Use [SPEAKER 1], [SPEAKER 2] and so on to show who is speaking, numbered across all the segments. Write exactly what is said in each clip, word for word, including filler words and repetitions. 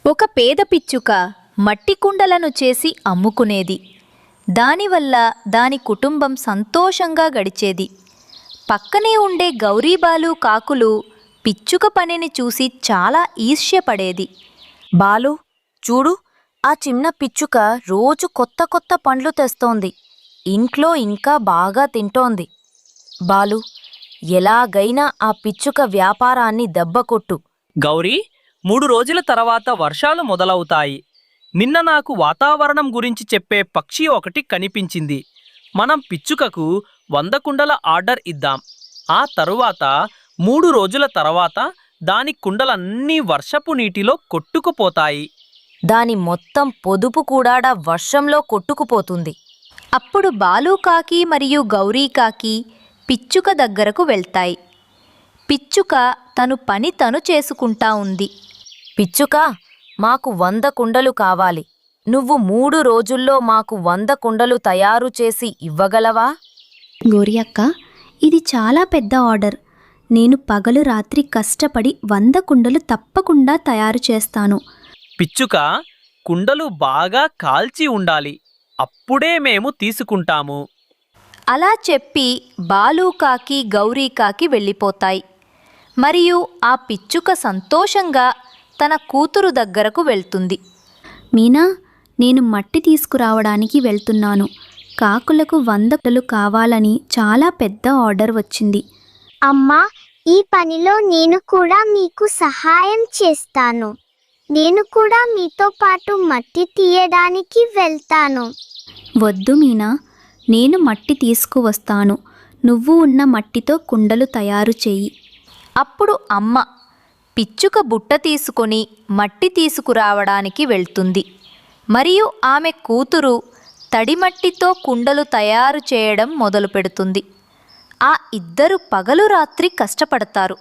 [SPEAKER 1] ఒక పేద పిచ్చుక మట్టి కుండలను చేసి అమ్ముకునేది. దానివల్ల దాని కుటుంబం సంతోషంగా గడిచేది. పక్కనే ఉండే గౌరీబాలు కాకులు పిచ్చుక పనిని చూసి చాలా ఈర్ష్యపడేది.
[SPEAKER 2] బాలు, చూడు, ఆ చిన్న పిచ్చుక రోజు కొత్త కొత్త పండ్లు తెస్తోంది. ఇంట్లో ఇంకా బాగా తింటోంది. బాలు, ఎలాగైనా ఆ పిచ్చుక వ్యాపారాన్ని దెబ్బకొట్టు.
[SPEAKER 3] గౌరీ, మూడు రోజుల తర్వాత వర్షాలు మొదలవుతాయి. నిన్న నాకు వాతావరణం గురించి చెప్పే పక్షి ఒకటి కనిపించింది. మనం పిచ్చుకకు వంద కుండల ఆర్డర్ ఇద్దాం. ఆ తరువాత మూడు రోజుల తర్వాత దాని కుండలన్నీ వర్షపు నీటిలో కొట్టుకుపోతాయి.
[SPEAKER 2] దాని మొత్తం పొదుపు కూడా వర్షంలో కొట్టుకుపోతుంది.
[SPEAKER 1] అప్పుడు బాలుకాకి మరియు గౌరీకాకి పిచ్చుక దగ్గరకు వెళ్తాయి. పిచ్చుక తను పని తను చేసుకుంటా ఉంది.
[SPEAKER 2] పిచ్చుక, మాకు వంద కుండలు కావాలి. నువ్వు మూడు రోజుల్లో మాకు వంద కుండలు తయారు చేసి ఇవ్వగలవా?
[SPEAKER 4] గౌరీ అక్క, ఇది చాలా పెద్ద ఆర్డర్. నేను పగలు రాత్రి కష్టపడి వంద కుండలు తప్పకుండా తయారు చేస్తాను.
[SPEAKER 3] పిచ్చుక, కుండలు బాగా కాల్చి ఉండాలి. అప్పుడే మేము తీసుకుంటాము.
[SPEAKER 1] అలా చెప్పి బాలుకాకి గౌరీకాకి వెళ్ళిపోతాయి. మరియు ఆ పిచ్చుక సంతోషంగా తన కూతురు దగ్గరకు వెళ్తుంది.
[SPEAKER 4] మీనా, నేను మట్టి తీసుకురావడానికి వెళ్తున్నాను. కాకులకు వంద కుండలు కావాలని చాలా పెద్ద ఆర్డర్ వచ్చింది.
[SPEAKER 5] అమ్మా, ఈ పనిలో నేను కూడా మీకు సహాయం చేస్తాను. నేను కూడా మీతో పాటు మట్టి తీయడానికి వెళ్తాను.
[SPEAKER 4] వద్దు మీనా, నేను మట్టి తీసుకువస్తాను. నువ్వు ఉన్న మట్టితో కుండలు తయారు చెయ్యి.
[SPEAKER 1] అప్పుడు అమ్మ పిచ్చుక బుట్ట తీసుకొని మట్టి తీసుకురావడానికి వెళ్తుంది. మరియు ఆమె కూతురు తడిమట్టితో కుండలు తయారు చేయడం మొదలుపెడుతుంది. ఆ ఇద్దరు పగలు రాత్రి కష్టపడతారు.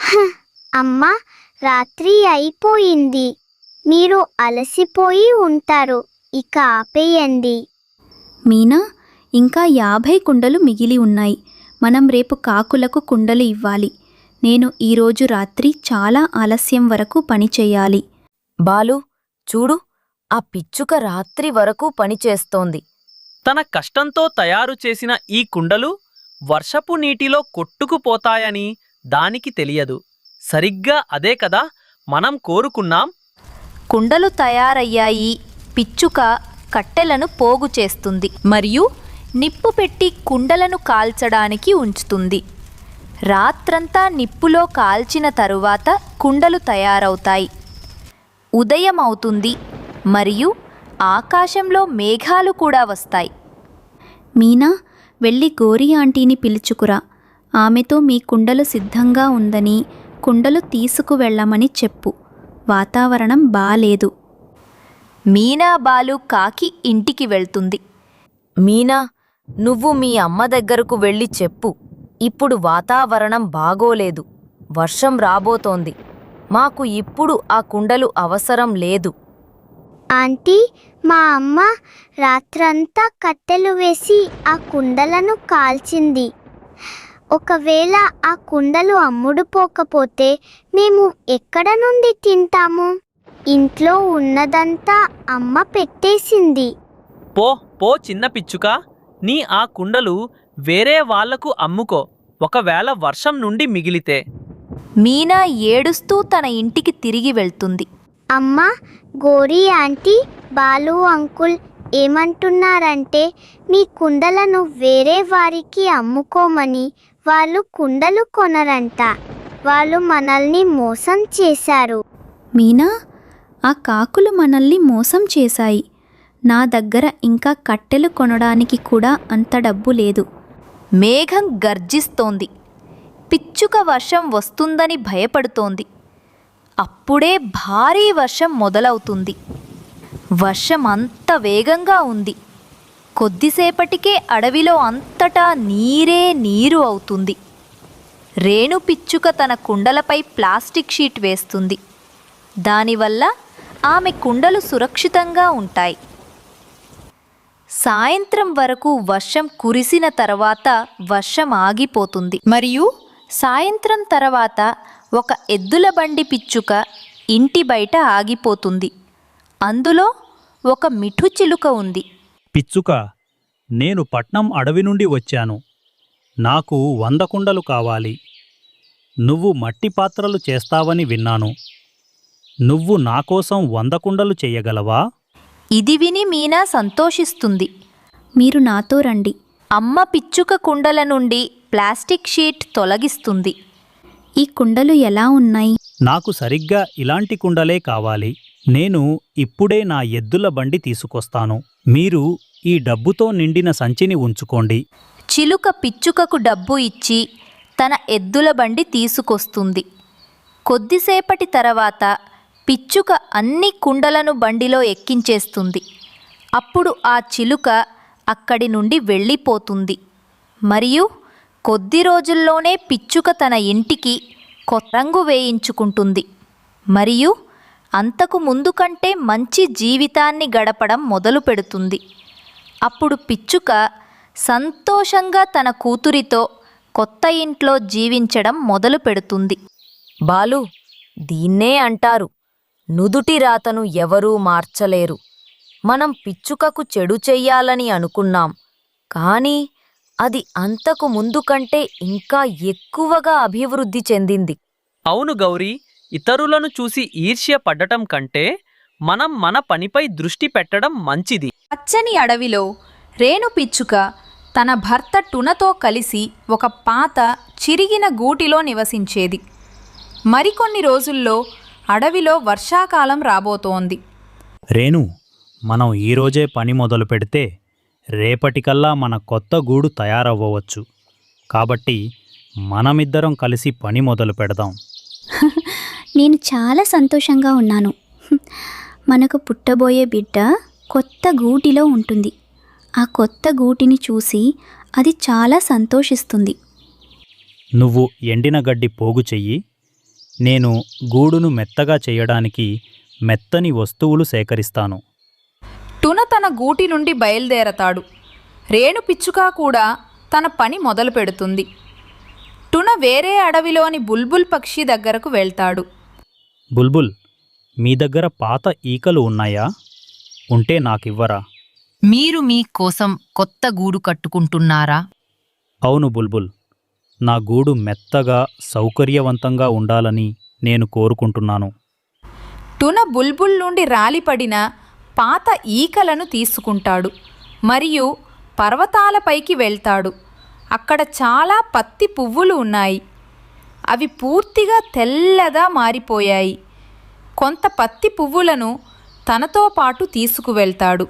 [SPEAKER 5] అమ్మా, రాత్రి అయిపోయింది. మీరు అలసిపోయి ఉంటారు. ఇక ఆపేయండి.
[SPEAKER 4] మీనా, ఇంకా యాభై కుండలు మిగిలి ఉన్నాయి. మనం రేపు కాకులకు కుండలు ఇవ్వాలి. నేను ఈరోజు రాత్రి చాలా ఆలస్యం వరకు పని చెయ్యాలి.
[SPEAKER 2] బాలు, చూడు, ఆ పిచ్చుక రాత్రి వరకు పనిచేస్తోంది.
[SPEAKER 3] తన కష్టంతో తయారు చేసిన ఈ కుండలు వర్షపు నీటిలో కొట్టుకుపోతాయని దానికి తెలియదు. సరిగ్గా అదే కదా మనం కోరుకున్నాం.
[SPEAKER 1] కుండలు తయారయ్యాయి. పిచ్చుక కట్టెలను పోగు చేస్తుంది మరియు నిప్పు పెట్టి కుండలను కాల్చడానికి ఉంచుతుంది. రాత్రంతా నిప్పులో కాల్చిన తరువాత కుండలు తయారవుతాయి. ఉదయం అవుతుంది మరియు ఆకాశంలో మేఘాలు కూడా వస్తాయి.
[SPEAKER 4] మీనా, వెళ్ళి గౌరీ ఆంటీని పిలుచుకురా. ఆమెతో మీ కుండలు సిద్ధంగా ఉందని, కుండలు తీసుకువెళ్ళమని చెప్పు. వాతావరణం బాలేదు.
[SPEAKER 1] మీనా బాలు కాకి ఇంటికి వెళ్తుంది.
[SPEAKER 2] మీనా, నువ్వు మీ అమ్మ దగ్గరకు వెళ్ళి చెప్పు. ఇప్పుడు వాతావరణం బాగోలేదు. వర్షం రాబోతోంది. మాకు ఇప్పుడు ఆ కుండలు అవసరం లేదు.
[SPEAKER 5] ఆంటీ, మా అమ్మ రాత్రంతా కట్టెలు వేసి ఆ కుండలను కాల్చింది. ఒకవేళ ఆ కుండలు అమ్ముడుపోకపోతే మేము ఎక్కడ నుండి తింటాము? ఇంట్లో ఉన్నదంతా అమ్మ పెట్టేసింది.
[SPEAKER 3] పో పో చిన్న పిచ్చుక, నీ ఆ కుండలు వేరే వాళ్లకు అమ్ముకో, ఒకవేళ వర్షం నుండి మిగిలితే.
[SPEAKER 1] మీనా ఏడుస్తూ తన ఇంటికి తిరిగి వెళ్తుంది.
[SPEAKER 5] అమ్మా, గౌరీ ఆంటీ, బాలు అంకుల్ ఏమంటున్నారంటే మీ కుండలను వేరే వారికి అమ్ముకోమని. వాళ్ళు కుండలు కొనరంట. వాళ్ళు మనల్ని మోసం చేశారు.
[SPEAKER 4] మీనా, ఆ కాకులు మనల్ని మోసం చేశాయి. నా దగ్గర ఇంకా కట్టెలు కొనడానికి కూడా అంత డబ్బు లేదు.
[SPEAKER 1] మేఘం గర్జిస్తోంది. పిచ్చుక వర్షం వస్తుందని భయపడుతోంది. అప్పుడే భారీ వర్షం మొదలవుతుంది. వర్షం అంత వేగంగా ఉంది. కొద్దిసేపటికే అడవిలో అంతటా నీరే నీరు అవుతుంది. రేణు పిచ్చుక తన కుండలపై ప్లాస్టిక్ షీట్ వేస్తుంది. దానివల్ల ఆమె కుండలు సురక్షితంగా ఉంటాయి. సాయంత్రం వరకు వర్షం కురిసిన తర్వాత వర్షం ఆగిపోతుంది. మరియు సాయంత్రం తర్వాత ఒక ఎద్దుల బండి పిచ్చుక ఇంటి బయట ఆగిపోతుంది. అందులో ఒక మిఠుచిలుక ఉంది.
[SPEAKER 6] పిచ్చుక, నేను పట్నం అడవి నుండి వచ్చాను. నాకు వంద కుండలు కావాలి. నువ్వు మట్టి పాత్రలు చేస్తావని విన్నాను. నువ్వు నాకోసం వంద కుండలు చెయ్యగలవా?
[SPEAKER 1] ఇది విని మీనా సంతోషిస్తుంది.
[SPEAKER 4] మీరు నాతో రండి.
[SPEAKER 1] అమ్మ పిచ్చుక కుండల నుండి ప్లాస్టిక్ షీట్ తొలగిస్తుంది.
[SPEAKER 4] ఈ కుండలు ఎలా ఉన్నాయి?
[SPEAKER 6] నాకు సరిగ్గా ఇలాంటి కుండలే కావాలి. నేను ఇప్పుడే నా ఎద్దుల బండి తీసుకొస్తాను. మీరు ఈ డబ్బుతో నిండిన సంచిని ఉంచుకోండి.
[SPEAKER 1] చిలుక పిచ్చుకకు డబ్బు ఇచ్చి తన ఎద్దుల బండి తీసుకొస్తుంది. కొద్దిసేపటి తర్వాత పిచ్చుక అన్ని కుండలను బండిలో ఎక్కించేస్తుంది. అప్పుడు ఆ చిలుక అక్కడి నుండి వెళ్ళిపోతుంది. మరియు కొద్ది రోజుల్లోనే పిచ్చుక తన ఇంటికి కొత్త రంగు వేయించుకుంటుంది. మరియు అంతకు ముందు కంటే మంచి జీవితాన్ని గడపడం మొదలు పెడుతుంది. అప్పుడు పిచ్చుక సంతోషంగా తన కూతురితో కొత్త ఇంట్లో జీవించడం మొదలు పెడుతుంది.
[SPEAKER 2] బాలు, దీన్నే అంటారు నుదుటి రాతను ఎవరూ మార్చలేరు. మనం పిచ్చుకకు చెడు చెయ్యాలని అనుకున్నాం, కానీ అది అంతకు ముందు కంటే ఇంకా ఎక్కువగా అభివృద్ధి చెందింది.
[SPEAKER 3] అవును గౌరీ, ఇతరులను చూసి ఈర్ష్య పడ్డటం కంటే మనం మన పనిపై దృష్టి పెట్టడం మంచిది.
[SPEAKER 7] పచ్చని అడవిలో రేణు పిచ్చుక తన భర్త టునతో కలిసి ఒక పాత చిరిగిన గూటిలో నివసించేది. మరికొన్ని రోజుల్లో అడవిలో వర్షాకాలం రాబోతోంది.
[SPEAKER 6] రేణు, మనం ఈరోజే పని మొదలు పెడితే రేపటికల్లా మన కొత్త గూడు తయారవ్వవచ్చు. కాబట్టి మనమిద్దరం కలిసి పని మొదలు పెడదాం.
[SPEAKER 4] నేను చాలా సంతోషంగా ఉన్నాను. మనకు పుట్టబోయే బిడ్డ కొత్త గూటిలో ఉంటుంది. ఆ కొత్త గూటిని చూసి అది చాలా సంతోషిస్తుంది.
[SPEAKER 6] నువ్వు ఎండిన గడ్డి పోగు చెయ్యి. నేను గూడును మెత్తగా చేయడానికి మెత్తని వస్తువులు సేకరిస్తాను.
[SPEAKER 7] టున తన గూటి నుండి బయలుదేరతాడు. రేణు పిచ్చుక కూడా తన పని మొదలు పెడుతుంది. టున వేరే అడవిలోని బుల్బుల్ పక్షి దగ్గరకు వెళ్తాడు.
[SPEAKER 6] బుల్బుల్, మీ దగ్గర పాత ఈకలు ఉన్నాయా? ఉంటే నాకివ్వరా?
[SPEAKER 8] మీరు మీ కోసం కొత్త గూడు కట్టుకుంటున్నారా?
[SPEAKER 6] అవును బుల్బుల్, నా గూడు మెత్తగా సౌకర్యవంతంగా ఉండాలని నేను కోరుకుంటున్నాను.
[SPEAKER 7] టున బుల్బుల్ నుండి రాలిపడిన పాత ఈకలను తీసుకుంటాడు మరియు పర్వతాలపైకి వెళ్తాడు. అక్కడ చాలా పత్తి పువ్వులు ఉన్నాయి. అవి పూర్తిగా తెల్లగా మారిపోయాయి. కొంత పత్తి పువ్వులను తనతో పాటు తీసుకువెళ్తాడు.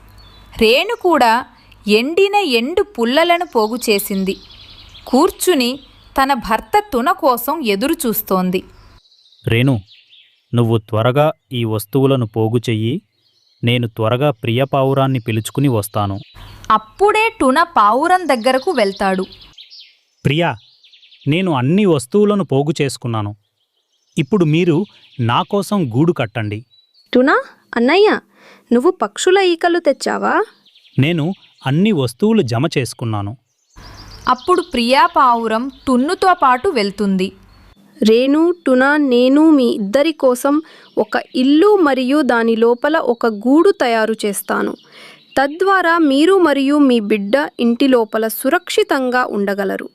[SPEAKER 7] రేణు కూడా ఎండిన ఎండు పుల్లలను పోగు చేసింది. కూర్చుని తన భర్త టున కోసం ఎదురు చూస్తోంది.
[SPEAKER 6] రేణు, నువ్వు త్వరగా ఈ వస్తువులను పోగు చెయ్యి. నేను త్వరగా ప్రియ పావురాన్ని పిలుచుకుని వస్తాను.
[SPEAKER 7] అప్పుడే టున పావురం దగ్గరకు వెళ్తాడు.
[SPEAKER 6] ప్రియా, నేను అన్ని వస్తువులను పోగు చేసుకున్నాను. ఇప్పుడు మీరు నా కోసం గూడు కట్టండి.
[SPEAKER 9] టునా, అన్నయ్య, నువ్వు పక్షుల ఈకలు తెచ్చావా?
[SPEAKER 6] నేను అన్ని వస్తువులు జమ చేసుకున్నాను.
[SPEAKER 7] అప్పుడు ప్రియా పావురం టున్నుతో పాటు వెళ్తుంది.
[SPEAKER 9] రేణు, టునా, నేను మీ ఇద్దరి కోసం ఒక ఇల్లు మరియు దాని లోపల ఒక గూడు తయారు చేస్తాను. తద్వారా మీరు మరియు మీ బిడ్డ ఇంటి లోపల సురక్షితంగా ఉండగలరు.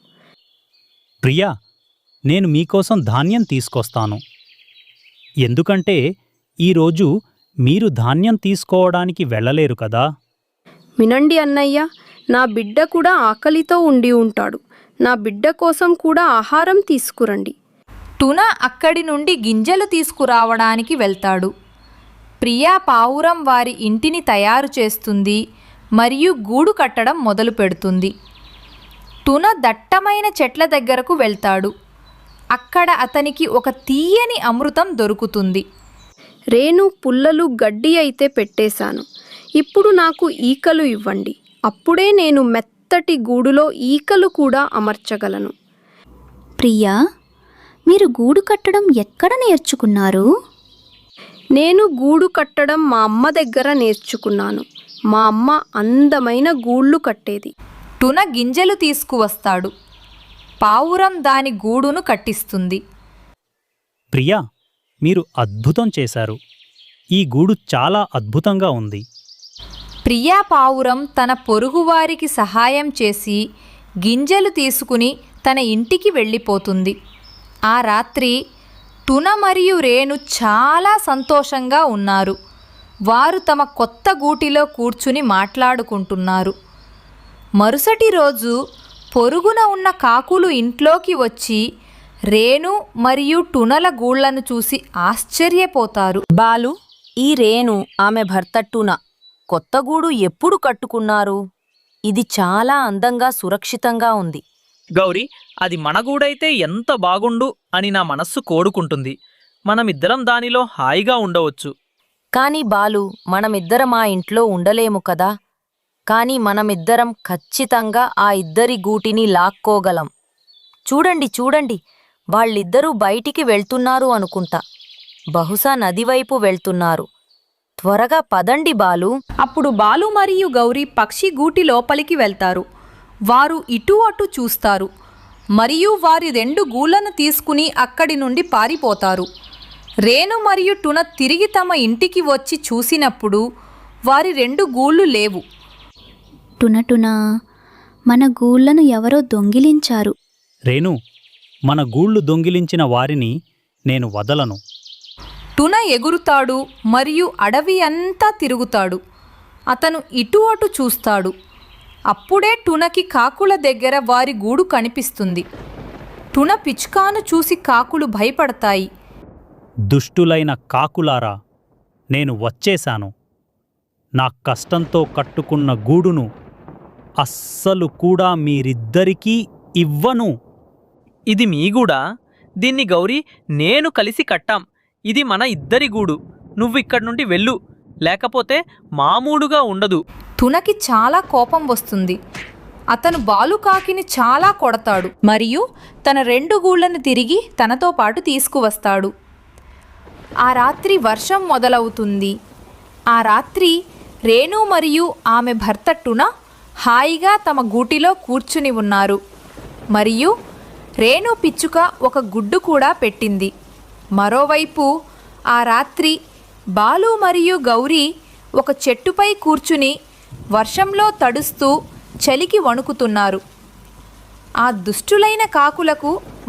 [SPEAKER 6] ప్రియా, నేను మీకోసం ధాన్యం తీసుకొస్తాను. ఎందుకంటే ఈరోజు మీరు ధాన్యం తీసుకోవడానికి వెళ్ళలేరు కదా.
[SPEAKER 9] వినండి అన్నయ్య, నా బిడ్డ కూడా ఆకలితో ఉండి ఉంటాడు. నా బిడ్డ కోసం కూడా ఆహారం తీసుకురండి.
[SPEAKER 7] టున అక్కడి నుండి గింజలు తీసుకురావడానికి వెళ్తాడు. ప్రియా పావురం వారి ఇంటిని తయారు చేస్తుంది మరియు గూడు కట్టడం మొదలు పెడుతుంది. టున దట్టమైన చెట్ల దగ్గరకు వెళ్తాడు. అక్కడ అతనికి ఒక తీయని అమృతం దొరుకుతుంది.
[SPEAKER 9] రేణు, పుల్లలు గడ్డి అయితే పెట్టేశాను. ఇప్పుడు నాకు ఈకలు ఇవ్వండి. అప్పుడే నేను మెత్తటి గూడులో ఈకలు కూడా అమర్చగలను.
[SPEAKER 4] ప్రియా, మీరు గూడు కట్టడం ఎక్కడ నేర్చుకున్నారు?
[SPEAKER 9] నేను గూడు కట్టడం మా అమ్మ దగ్గర నేర్చుకున్నాను. మా అమ్మ అందమైన గూళ్ళు కట్టేది.
[SPEAKER 7] టున గింజలు తీసుకువస్తాడు. పావురం దాని గూడును కట్టిస్తుంది.
[SPEAKER 6] ప్రియా, మీరు అద్భుతం చేశారు. ఈ గూడు చాలా అద్భుతంగా ఉంది.
[SPEAKER 7] ప్రియా పావురం తన పొరుగువారికి సహాయం చేసి గింజలు తీసుకుని తన ఇంటికి వెళ్ళిపోతుంది. ఆ రాత్రి టున మరియు రేణు చాలా సంతోషంగా ఉన్నారు. వారు తమ కొత్త గూటిలో కూర్చుని మాట్లాడుకుంటున్నారు. మరుసటి రోజు పొరుగున ఉన్న కాకులు ఇంట్లోకి వచ్చి రేణు మరియు టునల గూళ్లను చూసి ఆశ్చర్యపోతారు.
[SPEAKER 2] బాలు, ఈ రేణు ఆమె భర్త టున కొత్త గూడు ఎప్పుడు కట్టుకున్నారు? ఇది చాలా అందంగా సురక్షితంగా ఉంది.
[SPEAKER 3] గౌరీ, అది మన గూడైతే ఎంత బాగుండు అని నా మనస్సు కోరుకుంటుంది. మనమిద్దరం దానిలో హాయిగా ఉండవచ్చు.
[SPEAKER 2] కాని బాలు, మనమిద్దరం ఆ ఇంట్లో ఉండలేము కదా. కాని మనమిద్దరం ఖచ్చితంగా ఆ ఇద్దరి గూటిని లాక్కోగలం. చూడండి చూడండి, వాళ్ళిద్దరూ బయటికి వెళ్తున్నారు అనుకుంటా. బహుశా నదివైపు వెళ్తున్నారు. త్వరగా పదండి బాలు.
[SPEAKER 7] అప్పుడు బాలు మరియు గౌరీ పక్షి గూటి లోపలికి వెళ్తారు. వారు ఇటు అటు చూస్తారు మరియు వారి రెండు గూళ్లను తీసుకుని అక్కడి నుండి పారిపోతారు. రేణు మరియు టున తిరిగి తమ ఇంటికి వచ్చి చూసినప్పుడు వారి రెండు గూళ్ళు లేవు.
[SPEAKER 4] టునటునా, మన గూళ్ళను ఎవరో దొంగిలించారు.
[SPEAKER 6] రేణు, మన గూళ్ళు దొంగిలించిన వారిని నేను వదలను.
[SPEAKER 7] టున ఎగురుతాడు మరియు అడవి అంతా తిరుగుతాడు. అతను ఇటు అటు చూస్తాడు. అప్పుడే టునకి కాకుల దగ్గర వారి గూడు కనిపిస్తుంది. టున పిచ్చుకాను చూసి కాకులు భయపడతాయి.
[SPEAKER 6] దుష్టులైన కాకులారా, నేను వచ్చేశాను. నా కష్టంతో కట్టుకున్న గూడును అస్సలు కూడా మీరిద్దరికీ ఇవ్వను.
[SPEAKER 3] ఇది మీ గూడా? దీన్ని గౌరీ నేను కలిసి కట్టాం. ఇది మన ఇద్దరి గూడు. నువ్విక్కడి నుండి వెళ్ళు, లేకపోతే మామూలుగా ఉండదు.
[SPEAKER 7] టునకి చాలా కోపం వస్తుంది. అతను బాలుకాకిని చాలా కొడతాడు మరియు తన రెండు గూళ్లను తిరిగి తనతో పాటు తీసుకువస్తాడు. ఆ రాత్రి వర్షం మొదలవుతుంది. ఆ రాత్రి రేణు మరియు ఆమె భర్త టున హాయిగా తమ గూటిలో కూర్చుని ఉన్నారు. మరియు రేణు పిచ్చుక ఒక గుడ్డు కూడా పెట్టింది. మరోవైపు ఆ రాత్రి బాలు మరియు గౌరీ ఒక చెట్టుపై కూర్చుని వర్షంలో తడుస్తూ చలికి వణుకుతున్నారు. ఆ దుష్టులైన కాకులకు